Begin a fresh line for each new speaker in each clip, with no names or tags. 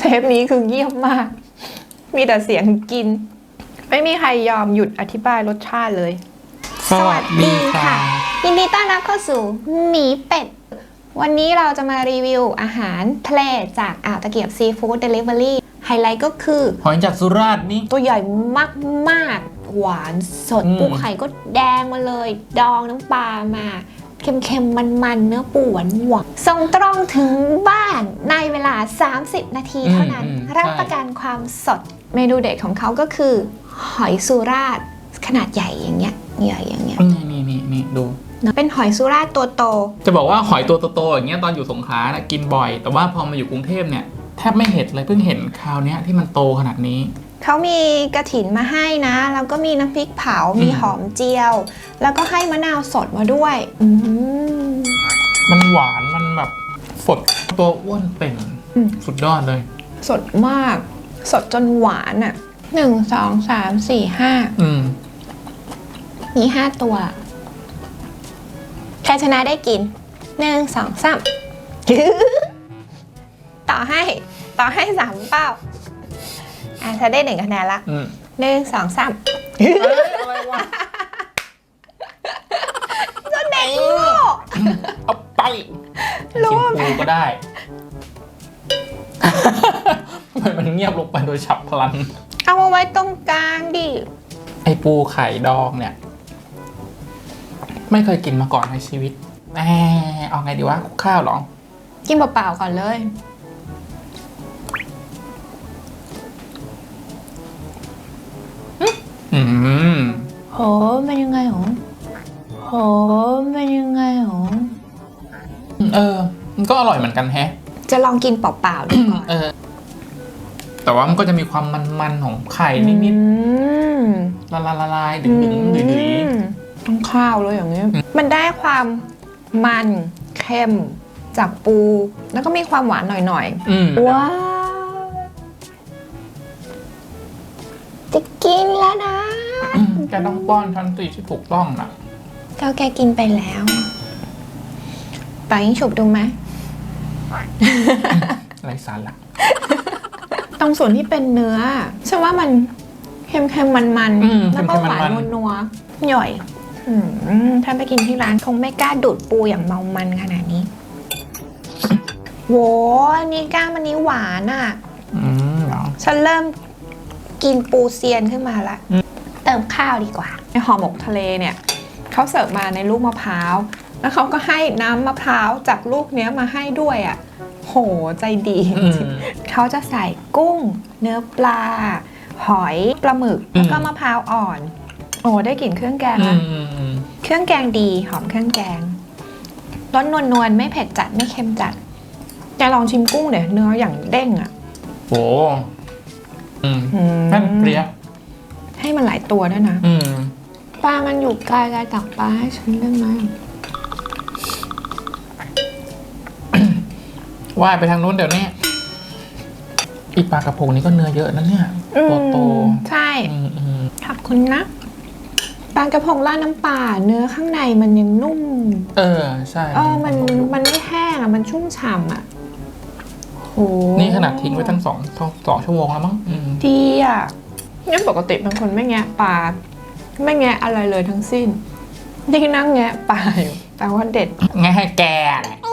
ปนี้คือเงียบมาก มีแต่เสียงกิน ไม่มีใครยอมหยุดอธิบายรสชาติเลย
สวัสดีค่ะ
ยินดีต้อนรับเข้าสู่หมีเป็ด วันนี้เราจะมารีวิวอาหารทะเลจากอ่าวตะเกียบซีฟู้ดเดลิเวอรี่ไฮไลท์ก็คือ
หอยจากสุราษฎร์นี่
ตัวใหญ่มากๆหวานสดปูไข่ก็แดงมาเลย ดองน้ำปลามาเค็มๆมันๆเนื้อปูหวานส่งตรงถึงบ้านในเวลา30 นาทีเท่านั้นรับประกันความสดเมนูเด็ดของเขาก็คือหอยสุราษฎร์ขนาดใหญ่อย่างเงี้ยใหญ่อย่างเงี้ย
นี่ดู
เป็นหอยสุราษฎร์ตัวโต
จะบอกว่าหอยตัวโตๆอย่างเงี้ยตอนอยู่สงขลานะกินบ่อย แต่ว่าพอมาอยู่กรุงเทพเนี่ยแทบไม่เห็นเลยเพิ่งเห็นคราวเนี้ยที่มันโตขนาดนี้
เขามีกระถินมาให้นะแล้วก็มีน้ำพริกเผามีหอมเจียว แล้วก็ให้มะนาวสดมาด้วย
มันหวานมันแบบสดตัวอ้วนเป่งสุดยอดเลย
สดมาก สดจนหวานอ่ะ1 2 3 4 5มี5 ตัวใครชนะได้กิน1 2 3 ต่อให้3 เป้าเธอได้1 คะแนนละ1 2 3
อะไรวะ
ก็เด็กโง่
เอาไปกินปูก็ได้ทำไมมันเงียบลงไปโดยฉับพลัน
เอามาไว้ตรงกลางดิ
ไอปูไข่ดองเนี่ยไม่เคยกินมาก่อนในชีวิตเอาไงดีวะคลุกข้าวหรอ
กินเปล่าๆก่อนเลยโหเป็นยังไงหรอโหเป็นยังไงหรอ
มันก็อร่อยเหมือนกันแฮะ
จะลองกินเปล่าๆดูก่อน
แต่ว่ามันก็จะมีความมันๆของไข่นิดๆละลายดึงๆดื้อ
ๆต้องข้าวเลยอย่างนี้มันได้ความมันเค็มจากปูแล้วก็มีความหวานหน่อยๆว้าวจะกินแล้วนะ
แกต้องป้อนช้อนตีที่ถูกต้องนะ
ก็แกกินไปแล้วปายิงฉุบดูไหม
ไรสาระ
ตรงส่วนที่เป็นเนื้อฉันว่ามันเค็มๆมันๆแล้วก็หวานนัวๆหย่อยถ้าไปกินที่ร้านคงไม่กล้าดูดปูอย่างเมามันขนาดนี้โว้อันนี้ก้ามอันนี้หวานอ่ะฉันเริ่มกินปูเซียนขึ้นมาละเติมข้าวดีกว่าในห่อหมกทะเลเนี่ยเขาเสิร์ฟมาในลูกมะพร้าวแล้วเขาก็ให้น้ำมะพร้าวจากลูกเนี้ยมาให้ด้วยอ่ะโหใจดีเขาจะใส่กุ้งเนื้อปลาหอยปลาหมึกแล้วก็มะพร้าวอ่อนโอ้ได้กลิ่นเครื่องแกงนะเครื่องแกงดีหอมเครื่องแกงรสนวลๆไม่เผ็ดจัดไม่เค็มจัดจะลองชิมกุ้งเดี๋ยวเนื้ออย่างเด้งอ่ะ
โอ้นั่นเปรี้ย
ให้มันหลายตัวด้วยนะปลามันอยู่ไกลตักปลาให้ฉันได้ไหม
ว่ายไปทางนู้นเดี๋ยวนี้อีปลากระพงนี้ก็เนื้อเยอะนะเนี่ยตัวโต
ใช่ขอบคุณนะปลากระพงราดน้ำปลาเนื้อข้างในมันยังนุ่ม
ใช่
มันไม่แห้งอ่ะมันชุ่มฉ่ำอ่ะโห
นี่ขนาดทิ้งไว้ตั้ง2 ชั่วโมงแล้วมั้ง
ดีอ่ะงั้นปกติเป็นคนไม่แงะปลาไม่แงะอะไรเลยทั้งสิ้นที่นั่งแงะปลาอยู่แต่ว่าเด็ด
แงะให้แกแหละ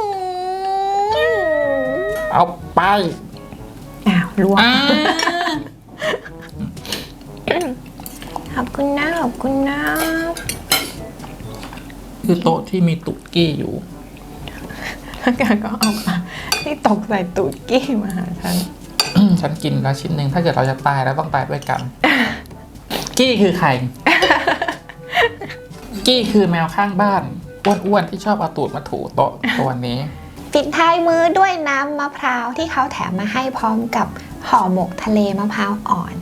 เอาไป
ลวกขอบคุณนะขอบคุณนะ
คือโต๊ะที่มีตุ๊กกี้อยู่
แล้วกันก็เอาที่ตกใส่ตุ๊กกี้มาหา
ฉันกินแล้วชิ้นหนึ่งถ้าเกิดเราจะตายแล้วต้องตายด้วยกันกี้คือใครกี้คือแมวข้างบ้านอ้วนๆที่ชอบเอาตูดมาถูโต๊ะตัวนี้
ปิดท้ายมื้อด้วยน้ำมะพร้าวที่เขาแถมมาให้พร้อมกับห่อหมกทะเลมะพร้าวอ่อน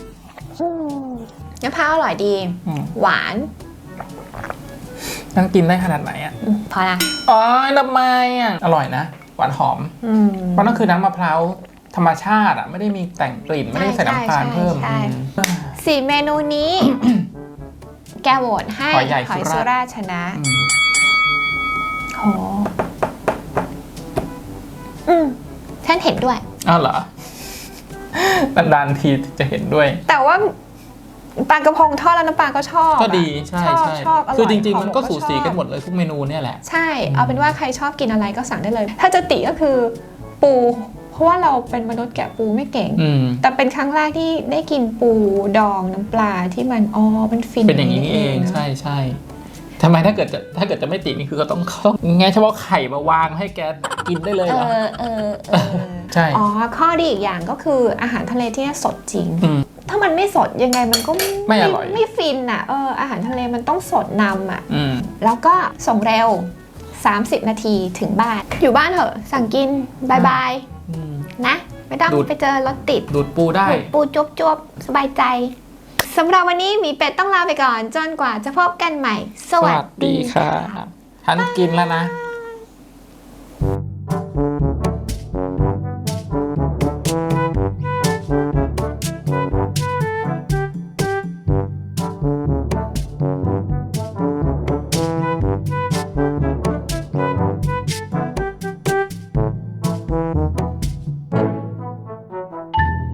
มะพร้าวอร่อยดีหวาน
นั่งกินได้ขนาดไหนอ่ะ
พอละ
ทำไมอ่ะอร่อยนะหวานหอมเพราะนั่นคือน้ำมะพร้าวธรรมชาติอ่ะไม่ได้มีแต่งกลิ่นไม่ได้ใส่น้ำตาลเพิ่ม
4 เมนูนี้ แกโหวตให้หอยสุราษฎร์ชนะโหฉันเห็นด้วย
เหรอนานๆทีจะเห็นด้วย
แต่ว่าปลากระพงทอดแล้วน้ำปลาก็ชอบ
ก็ดีใช่
ชอบอร่อย
คือจริงๆมันก็
หอ
สูสีกันหม
ชอบ
ดเลยทุกเมนูเนี่ยแหละ
ใช่ เอาเป็นว่าใครชอบกินอะไรก็สั่งได้เลย ถ้าจะติก็คือปูเพราะว่าเราเป็นมนุษย์แกะปูไม่เก่ง แต่เป็นครั้งแรกที่ได้กินปูดองน้ำปลาที่มันมันฟิน
เป็นอย่างนี้เองใช่ใช่ทำไมถ้าเกิดจะไม่ตินี่คือก็ต้องแง่เฉพาะไข่มาวางให้แกกินได้เลยเหรอใช่
ข้อดีอีกอย่างก็คืออาหารทะเลที่นี่สดจริง ถ้ามันไม่สดยังไงมันก็
ไม่อร่อย
ไม่ฟินอ่ะอาหารทะเลมันต้องสดนำอ่ะแล้วก็ส่งเร็ว30 นาทีถึงบ้านอยู่บ้านเถอะสั่งกินบายบายนะไม่ต้องไปเจอรถติด
ดูดปูได้
ดูดปูจวบสบายใจสำหรับวันนี้หมีเป็ดต้องลาไปก่อนจนกว่าจะพบกันใหม่สวัสดีค่ะ
ฉันกินแล้วนะ